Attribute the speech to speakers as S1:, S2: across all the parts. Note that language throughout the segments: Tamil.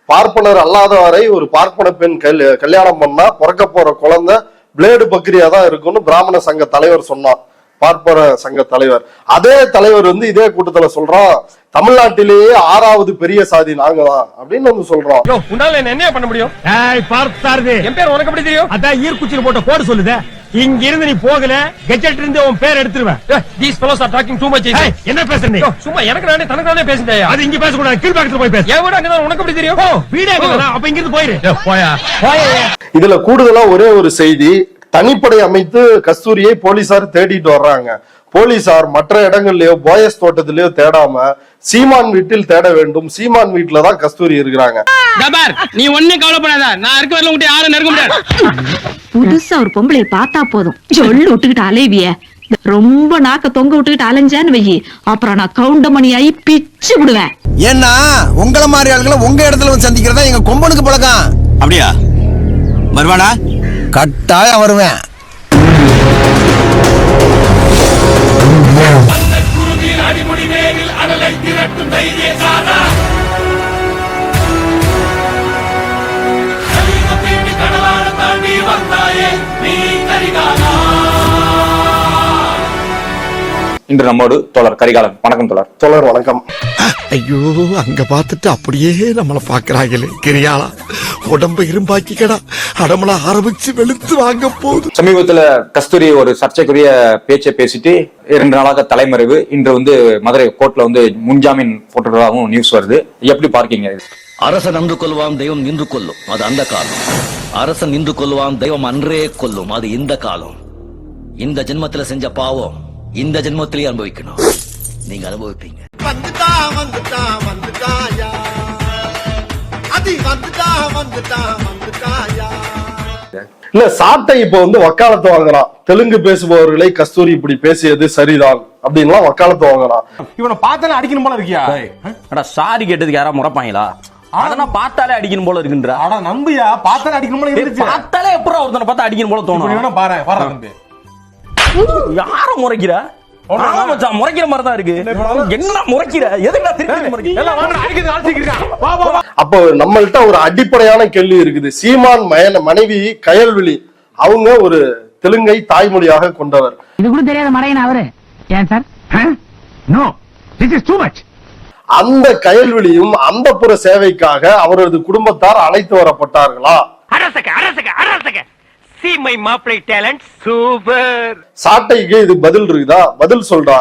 S1: பார்ப்பனர் அல்லாதவரை ஒரு பார்ப்பன பெண் கல்யாணம் பண்ணா பிறக்க போற குழந்தை பிளேடு பக்ரியா தான் இருக்கும்னு பிராமண சங்க தலைவர் சொன்னான். பார்ப்பன சங்க தலைவர். அதே தலைவர் வந்து இதே கூட்டத்துல சொல்றான், தமிழ்நாட்டிலேயே 6வது பெரிய சாதி நாங்க தான் அப்படின்னு வந்து சொல்றோம்.
S2: என்ன பண்ண முடியும்? என் பேர் உனக்கு எப்படி தெரியும்? அதான் ஈர்க்குச்சியில் போட்ட கோடு சொல்லுதே. இங்க இருந்து நீ போகல, கெஜெட் இருந்து உன் பேர் எடுத்துருவேன். These fellows are talking too much. என்ன பேசுற நீ? சும்மா எனக்கு நானே தனக்கு நானே பேசுறேன். அது இங்க பேச கூடாது, கீழ் பக்கத்துல போய் பேசு. என் வீடு அங்கதான், உனக்கு எப்படி தெரியும்? வீடு அங்கதான், அப்ப இங்க இருந்து போயிரு. போயா போயா. இதுல கூடுதலா ஒரே ஒரு செய்தி, தனிப்படை அமைத்து கஸ்தூரியை போலீசார் தேடிட்டு வர்றாங்க. போலீசார் மற்ற இடங்கள்லயோ போயஸ் தோட்டத்திலயோ தேடாம சீமான் வீட்டில் தேட வேண்டும். சீமான் வீட்டுல தான் கஸ்தூரி இருக்கிறாங்க.
S3: நீ ஒண்ணே கவலைப்படாத, நான் இருக்க வரல உங்ககிட்ட யாரும் நெருங்க முடியாது.
S4: புதுசா ஒரு பொம்பளை பார்த்தா போதும், சொல்லு விட்டுக்கிட்டு அலைவிய. ரொம்ப நாக்க தொங்க விட்டுக்கிட்டு அலைஞ்சான்னு வையி, அப்புறம் நான் கவுண்டமணியாயி பிச்சு விடுவேன்.
S5: ஏன்னா உங்கள மாதிரி ஆளுகளை உங்க இடத்துல வந்து சந்திக்கிறதா எங்க கொம்பனுக்கு பழக்கம்.
S6: அப்படியா? வருவானா?
S5: கட்டாயம் வருவேன்.
S6: இன்று நம்மோடு தோழர் கரிகாலன். வணக்கம் தோழர்.
S1: தோழர் வணக்கம்.
S5: ஐயோ, அங்க பார்த்துட்டு அப்படியே நம்மள பாக்குறாங்களே. கிரியாளா உடம்ப இரும்பாக்கிக்கடா, அடமள ஆரம்பிச்சு வெளுத்து வாங்க போகுது.
S6: சமீபத்துல கஸ்தூரி ஒரு சர்ச்சைக்குரிய பேச்சை பேசிட்டு 2 நாளாக தலைமறைவு. இன்று வந்து மதுரை கோர்ட்ல வந்து முன்ஜாமீன் போட்டுறதாகவும் நியூஸ் வருது. எப்படி பார்க்கீங்க?
S7: அரசன் அன்று கொல்வான், தெய்வம் நின்று கொல்லும், அது அந்த காலம். அரசன் நின்று கொல்வான், தெய்வம் அன்றே கொல்லும், அது இந்த காலம். இந்த ஜென்மத்துல செஞ்ச பாவம் இந்த ஜென்மத்திலேயே அனுபவிக்கணும். நீங்க அனுபவிப்பீங்க.
S1: இல்ல, சாட்டை இப்ப வந்து வக்காலத்து வாங்குறான். தெலுங்கு பேசுபவர்களை கஸ்தூரி இப்படி பேசியது சரிதான் அப்படின்லாம் வக்காலத்து வாங்குறான்.
S2: இவனை பார்த்தாலே அடிக்கணும் போல இருக்கியா?
S3: சாரி கேட்டதுக்கு யாரா முறைப்பாங்களா? அதெல்லாம் பார்த்தாலே அடிக்கணும் போல இருக்குன்ற.
S2: ஆனா நம்பியா பார்த்தாலே அடிக்கணும் போல இருந்துச்சு.
S3: பார்த்தாலே எப்பறம் ஒருத்தனை பார்த்தா அடிக்கணும் போல தோணும்.
S2: பாரு பாரு நம்பி
S3: யார முறைக்கிற? முறைக்கிற மாதிரி தான் இருக்கு. என்ன முறைக்கிற? எதுக்கு திருப்பி முறைக்கிற?
S1: அப்போ நம்மள்ட்ட ஒரு அடிப்படையான கேள்வி இருக்குது. சீமான் மனைவி கயல்விழி, அவங்க ஒரு தெலுங்கை தாய்மொழியாக கொண்டவர்.
S8: இது கூட தெரியாத மறையன் அவரு. ஏன் sir? No, this is too much.
S1: அந்த கயல்விழியும் அந்த புற சேவைக்காக அவரது குடும்பத்தார் அழைத்து வரப்பட்டார்களா?
S2: See my மாப்பிளை talent, super.
S1: சாட்டைக்கு இது பதில் இருக்குதா? பதில் சொல்றா.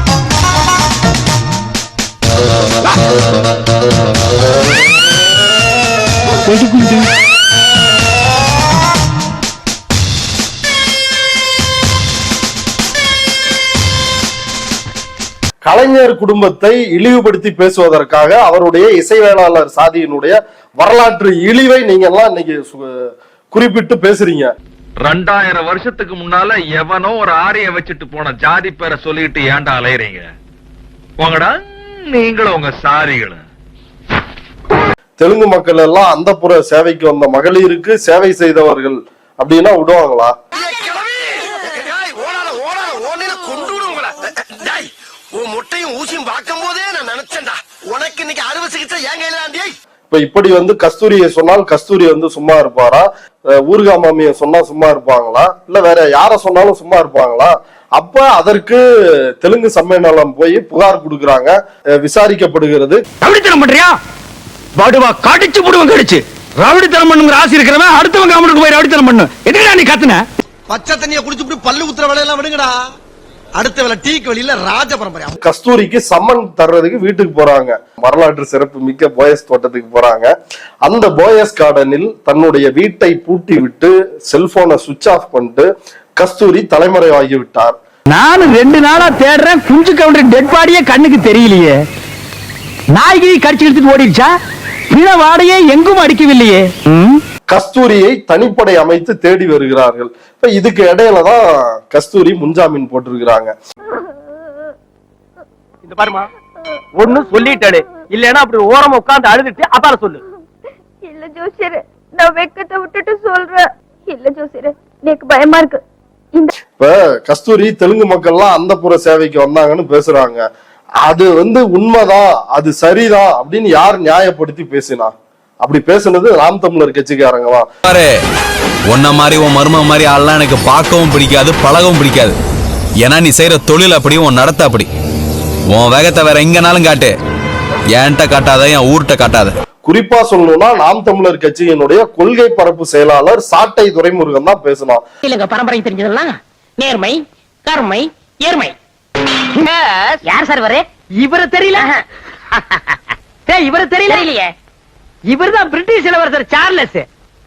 S1: கலைஞர் குடும்பத்தை இழிவுபடுத்தி பேசுவதற்காக அவருடைய இசைவேளாளர் சாதியினுடைய வரலாற்று இழிவை நீங்க எல்லாம் இன்னைக்கு குறிப்பிட்டு பேசுறீங்க.
S9: 2000 வருஷத்துக்கு முன்னால எவனோ ஒரு ஆரிய வச்சுட்டு போன ஜாதி பேரை சொல்லிட்டு ஏன்டா அலையறீங்க? போங்கடா நீங்களும் உங்க சாரிகளும்.
S1: தெலுங்கு மக்கள் எல்லாம் அந்த புற சேவைக்கு வந்த மகளிருக்கு சேவை செய்தவர்கள் அப்படின்னா விடுவாங்களா?
S5: முட்டையும் ஊசியும் பார்க்கும் போதே நான் நினைச்சேன்டா, உனக்கு இன்னைக்கு அறுவை சிகிச்சை ஏன் கையில?
S1: இப்ப இப்படி வந்து கஸ்தூரியை சொன்னால் கஸ்தூரி வந்து சும்மா இருப்பாரா? ஊர்கா மாமிய சொன்னா சும்மா இருப்பாங்களா? இல்ல வேற யார சொன்னாலும் சும்மா இருப்பாங்களா? அப்ப அதற்கு தெலுங்கு சம்மேளனம் போய் புகார் கொடுக்கறாங்க, விசாரிக்கப்படுகிறது.
S3: ரவுடித்தனம் பண்றியா? பாடுவா கடிச்சு போடுவன் கடிச்சு. ரவுடித்தனம் பண்ணுங்கிற ஆசை இருக்கிறவன் அடுத்தவங்க கவர்மெண்ட்டுக்கு போய் ரவுடித்தனம் பண்ணு. எதுக்குடா நீ கத்துன?
S5: பச்சை தண்ணியை குடிச்சுட்டு பல்லு ஊத்துற வேலையெல்லாம் விடுங்கடா. அடுத்த வேலை டீக்கு வெளியில ராஜ பரம்பரை.
S1: கஸ்தூரிக்கு சம்மன் தர்றதுக்கு வீட்டுக்கு போறாங்க. வரலாற்று சிறப்பு மிக்க போயஸ் தோட்டத்துக்கு போறாங்க. அந்த போயஸ் கார்டனில் தன்னுடைய வீட்டை பூட்டி விட்டு செல்போனை சுவிட்ச் ஆஃப் பண்ணிட்டு கஸ்தூரி தலைமறைவாகி விட்டார்.
S8: நானும் 2 நாளா தேடுறேன், குஞ்சு கவுண்டர் டெட் பாடியே கண்ணுக்கு தெரியலையே. நாய்கிரி கடிச்சு எடுத்துட்டு ஓடிடுச்சா? பிண வாடையே எங்கும் அடிக்கவில்லையே.
S1: கஸ்தூரியை தனிப்படை அமைத்து தேடி வருகிறார்கள். இப்ப இதுக்கு இடையில தான் கஸ்தூரி முன்ஜாமீன் போட்டிருக்கிறாங்க.
S2: இந்த பாருமா, ஒண்ணு சொல்லிட்டாளே, இல்லன்னா அப்படி ஓரமா உட்கார்ந்து அழுதுட்டு அப்பால சொல்லு.
S10: இல்ல ஜோசியரே, நான் வெக்கத்தை விட்டுட்டு சொல்றேன். இல்ல ஜோசியரே, எனக்கு பயமா இருக்கு.
S1: இப்ப கஸ்தூரி தெலுங்கு மக்கள்லாம் அந்த புற சேவைக்கு வந்தாங்கன்னு பேசுறாங்க. அது வந்து உண்மைதான், அது சரிதான் அப்படின்னு யார் நியாயப்படுத்தி பேசினா? அப்படி பேசுனது நாம் தமிழர் கட்சிக்காரங்க தான்.
S11: உன்ன மாதிரி உன் மரும மாதிரி ஆள்லாம் எனக்கு பார்க்கவும் பிடிக்காது, பழகவும் பிடிக்காது. ஏன்னா நீ செய்யற தொழில் அப்படி, உன் நடத்த அப்படி. உன் வேகத்தை வேற எங்கனாலும் காட்டு, என்கிட்ட காட்டாத, என் ஊர்கிட்ட காட்டாத.
S1: குறிப்பா சொல்லணும்னா நாம் தமிழர் கட்சியினுடைய கொள்கை பரப்பு செயலாளர் சாட்டை துரைமுருகன் தான் பேசணும்.
S8: இல்லங்க பரம்பரை தெரிஞ்சதெல்லாம் நேர்மை, கருமை, ஏர்மை. யார் சார் வரே? இவரு தெரியல. இவரு தெரியல இல்லையே. இவர்தான் பிரிட்டிஷ் இளவரசர் சார்லஸ்.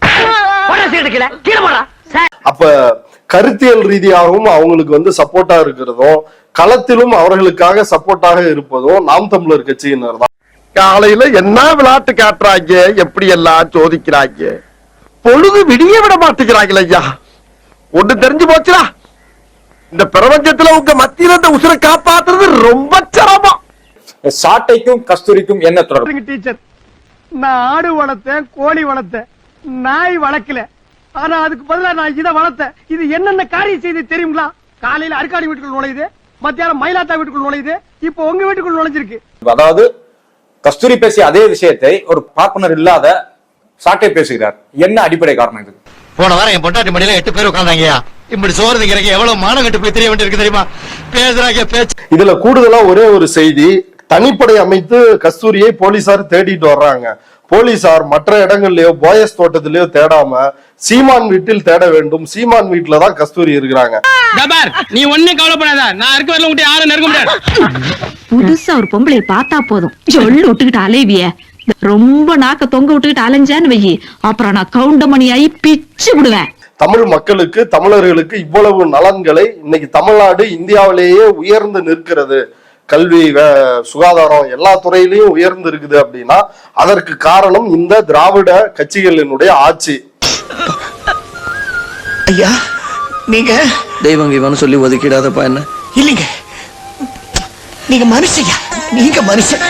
S1: அப்ப கருத்தியல் ரீதியாகவும் அவங்களுக்கு வந்து சப்போர்ட்டா இருக்கிறதும், களத்திலும் அவர்களுக்காக சப்போர்ட்டாக இருப்பதும் நாம் தமிழர் கட்சியினர் தான்.
S5: காலையில என்ன விளையாட்டு காட்டுறாங்க, எப்படி எல்லாம் சோதிக்கிறாங்க, பொழுது விடிய விட மாட்டேங்கிறாங்களே ஐயா. ஒண்ணு தெரிஞ்சு போச்சுடா, இந்த பிரபஞ்சத்துல உங்க மத்தியில இந்த உசுரை காப்பாத்துறது ரொம்ப சிரமம்.
S6: சாட்டைக்கும் கஸ்தூரிக்கும் என்ன தொடர்பு?
S8: டீச்சர், நான் ஆடு வளர்த்தேன், கோழி வளர்த்தேன், நாய் வளர்க்கல. ஆனா அதுக்கு பதிலா நான் இதை வளர்த்தேன். இது என்னென்ன காரியம் செய்து தெரியுங்களா? காலையில அருக்காடி வீட்டுக்குள் நுழையுது, மத்தியானம் மயிலாத்தா வீட்டுக்குள் நுழையுது, இப்போ உங்க வீட்டுக்குள் நுழைஞ்சிருக்கு.
S6: அதாவது கஸ்தூரி பேசிய அதே விஷயத்தை ஒரு பார்ப்பனர் இல்லாத சாட்டை பேசுகிறார். என்ன அடிப்படை காரணம் இது?
S5: போன வாரம் என் பொட்டாட்டி மடியில 8 பேர் உட்கார்ந்தாங்கயா. இப்படி சோறு திங்கிறக்கு எவ்வளவு மானங்கட்டு போய் தெரிய வேண்டியிருக்கு தெரியுமா? பேசுறாங்க பேச்சு.
S1: இதுல கூடுதலா ஒரே ஒரு செய்தி, தனிப்படை அமைத்து கஸ்தூரியை போலீசார் தேடிட்டு வர்றாங்க. போலீசார் மற்ற இடங்கள்லயோ போயஸ் தோட்டத்திலயோ தேடாம சீமான் வீட்டில் தேட வேண்டும். சீமான் வீட்டுல தான் கஸ்தூரி இருக்கிறாங்க.
S2: நீ ஒண்ணு கவலைப்படாத, நான் இருக்க வரல உங்ககிட்ட யாரும் நெருங்க முடியாது.
S4: புதுசா ஒரு பொம்பளைய பார்த்தா போதும் ஜொல்லு விட்டுக்கிட்டு அலைவிய. ரொம்ப நாக்க தொங்க விட்டுக்கிட்டு அலைஞ்சான்னு வையி, அப்புறம் நான் கவுண்டமணியாயி பிச்சு விடுவேன்.
S1: தமிழ் மக்களுக்கு, தமிழர்களுக்கு இவ்வளவு நலன்களை இன்னைக்கு தமிழ்நாடு இந்தியாவிலேயே உயர்ந்து நிற்கிறது. கல்வி, சுகாதாரம் எல்லா துறையிலையும் உயர்ந்து இருக்குது அப்படின்னா அதற்கு காரணம் இந்த திராவிட கட்சிகளினுடைய ஆட்சி.
S5: ஐயா நீங்க
S7: தெய்வம் இவன் சொல்லி ஒதுக்கிடாதப்பா என்ன.
S5: இல்லைங்க, நீங்க மனுஷயா, நீங்க மனுஷன்.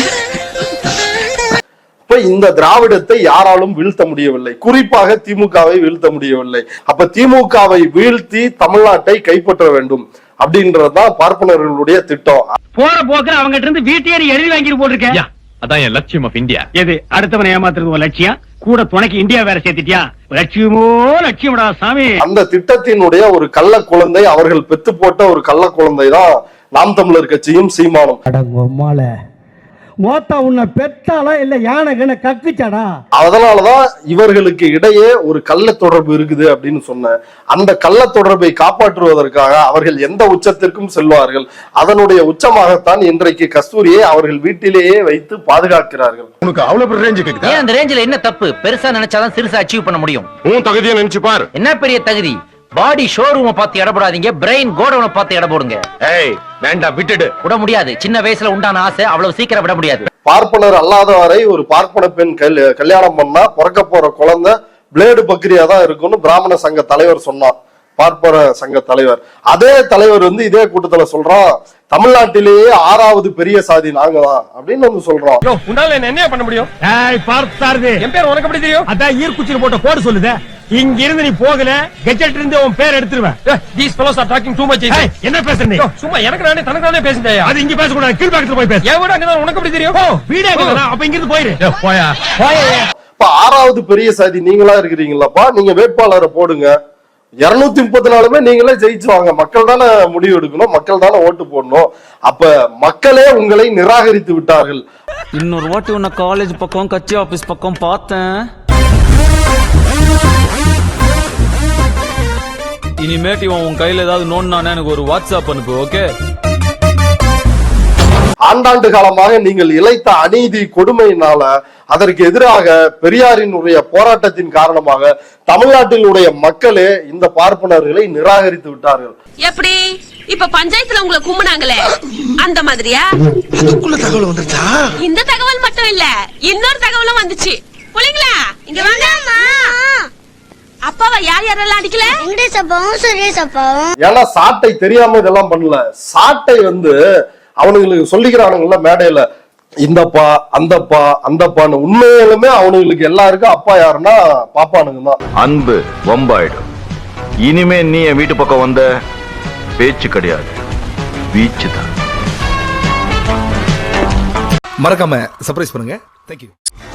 S1: இப்ப இந்த திராவிடத்தை யாராலும் வீழ்த்த முடியவில்லை, குறிப்பாக திமுகவை வீழ்த்த முடியவில்லை. அப்ப திமுகவை வீழ்த்தி தமிழ்நாட்டை கைப்பற்ற வேண்டும் அப்படின்றதுதான் பார்ப்பனர்களுடைய திட்டம்.
S8: போற போக்குல அவங்க இருந்து வீட்டையே எழுதி வாங்கி போட்டிருக்கேன்.
S2: அதான் என் லட்சியம் ஆஃப் இந்தியா.
S8: எது அடுத்தவனை ஏமாத்துறது ஒரு லட்சியம்? கூட துணைக்கு இந்தியா வேற சேர்த்துட்டியா? லட்சியமோ லட்சியம்டா சாமி.
S1: அந்த திட்டத்தினுடைய ஒரு கள்ள குழந்தை, அவர்கள் பெத்து போட்ட ஒரு கள்ள குழந்தை தான் நாம் தமிழர் கட்சியும் சீமானும்.
S8: மோத்தா உன்னை பெத்தாலா இல்ல யானை கக்குச்சாடா?
S1: அதனாலதான் இவர்களுக்கு இடையே ஒரு கள்ள தொடர்பு இருக்குது அப்படின்னு சொன்ன அந்த கள்ள தொடர்பை காப்பாற்றுவதற்காக அவர்கள் எந்த உச்சத்திற்கும் செல்வார்கள். அதனுடைய உச்சமாகத்தான் இன்றைக்கு கஸ்தூரியை அவர்கள் வீட்டிலேயே வைத்து பாதுகாக்கிறார்கள்.
S5: உனக்கு அவ்வளவு ரேஞ்சு கேக்குதா?
S7: அந்த ரேஞ்சில என்ன தப்பு? பெருசா நினைச்சாதான் சிறுசா அச்சீவ் பண்ண முடியும்.
S5: உன் தகுதியை நினைச்சு பாரு.
S7: என்ன பெரிய தகுதி? பாடி ஷோரூமை பார்த்து இடப்படாதீங்க, பிரெயின் கோடவுனை பார்த்து இட போடுங்க.
S5: ஏய் வேண்டாம், விட்டுடு.
S7: விட முடியாது. சின்ன வயசுல உண்டான ஆசை அவ்வளவு சீக்கிரம் விட முடியாது.
S1: பார்ப்பனர் அல்லாதவரை ஒரு பார்ப்பன பெண் கல்யாணம் பண்ணா பிறக்க போற குழந்தை பிளேடு பக்ரியா தான் இருக்கும்னு பிராமண சங்க தலைவர் சொன்னார். பார்ப்பன சங்க தலைவர், அதே தலைவர் வந்து இதே கூட்டத்துல சொல்றான், தமிழ்நாட்டிலேயே 6வது பெரிய சாதி நாங்க தான் அப்படின்னு வந்து சொல்றோம்.
S2: உன்னால என்ன பண்ண முடியும்? என் பேர் உனக்கு எப்படி தெரியும்? அதான் ஈர்க்குச்சியில் போட்ட கோடு சொல்லுதே. இங்க இருந்து நீ போகல, கெஜெட் இருந்து உன் பேர் எடுத்துருவேன். These fellows are talking too much. என்ன பேசுற நீ? சும்மா எனக்கு நானே தனக்கு நானே பேசுறேன். அது இங்க பேசக்கூடாது, கீழ் பக்கத்துல போய் பேசு. என் வீடு அங்கதான், உனக்கு எப்படி தெரியும்? வீடு அங்கதான், அப்ப இங்க இருந்து போயிரு. போயா போயா.
S1: இப்ப 6வது பெரிய சாதி நீங்களா இருக்கிறீங்களாப்பா, நீங்க வேட்பாளரை போடுங்க. 234 நீங்களே ஜெயிச்சுவாங்க. மக்கள் தானே முடிவு எடுக்கணும், மக்கள் தானே ஓட்டு போடணும். அப்ப மக்களே உங்களை நிராகரித்து விட்டார்கள்.
S11: இன்னொரு வாட்டி உன்னை காலேஜ் பக்கம், கட்சி ஆபீஸ் பக்கம் பார்த்தேன். இனிமேட்டு உன் கையில ஏதாவது நோண்டானே எனக்கு ஒரு வாட்ஸ்அப் அனுப்பு, ஓகே?
S1: ஆண்டாண்டு காலமாக நீங்கள் இழைத்த அநீதி கொடுமையினால அதற்கு எதிராக பெரியாரினுடைய போராட்டத்தின் காரணமாக தமிழ்நாட்டினுடைய மக்களே இந்த பார்ப்பனர்களை நிராகரித்து விட்டார்கள்.
S10: எப்படி இப்ப பஞ்சாயத்துல உங்களை கும்பினாங்களே அந்த மாதிரியா?
S5: அதுக்குள்ள தகவல் வந்துச்சா?
S10: இந்த தகவல் மட்டும் இல்ல, இன்னொரு தகவலும் வந்துச்சு. புள்ளைங்களா இங்க வாங்க. அப்பாவை யார் யாரெல்லாம் அடிக்கல?
S12: வெங்கடேஷ் அப்பாவும் சுரேஷ் அப்பாவும்.
S1: ஏன்னா சாட்டை தெரியாம இதெல்லாம் பண்ணல. சாட்டை வந்து அவனுங்களுக்கு சொல்லிக்கிறானுங்கல்ல மேடையில, இந்தப்பா அந்தப்பா அந்தப்பான்னு. உண்மையிலுமே அவனுங்களுக்கு எல்லாருக்கும் அப்பா யாருன்னா பாப்பானுங்க தான்.
S9: அன்பு வம்பாயிடும். இனிமே நீ என் வீட்டு பக்கம் வந்த பேச்சு கிடையாது, வீச்சு தான்.
S5: மறக்காம சர்ப்ரைஸ் பண்ணுங்க. தேங்க்யூ.